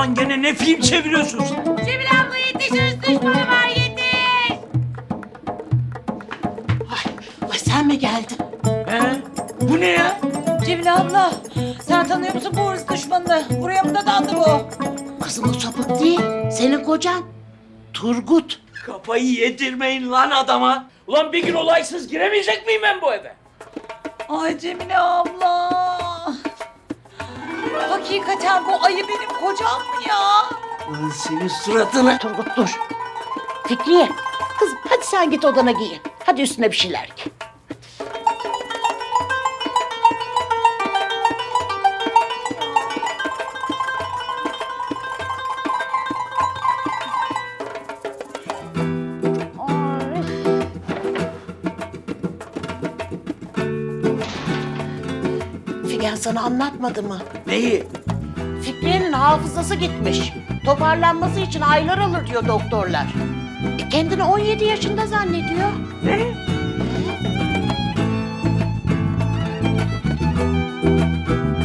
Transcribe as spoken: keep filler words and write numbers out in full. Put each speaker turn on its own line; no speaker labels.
Ulan gene ne film çeviriyorsun sen?
Cemil abla yetiş, hırs düşmanı var, yetiş.
Ay, ay sen mi geldin?
He? Bu ne ya?
Cemil abla, sen tanıyor musun bu hırs düşmanını? Buraya mı dadandı bu?
Kızım o sapık değil. Senin kocan. Turgut.
Kafayı yedirmeyin lan adama. Ulan bir gün olaysız giremeyecek miyim ben bu eve?
Ay Cemile abla. Hakikaten bu ayı benim kocam mı ya?
Lan senin suratını...
Turgut dur. Fikriye. Kızım hadi sen git odana giyin. Hadi üstüne bir şeyler giy. Figen sana anlatmadı mı?
Neyi?
Fikriye'nin hafızası gitmiş. Toparlanması için aylar alır diyor doktorlar. E kendini on yedi yaşında zannediyor.
Ne?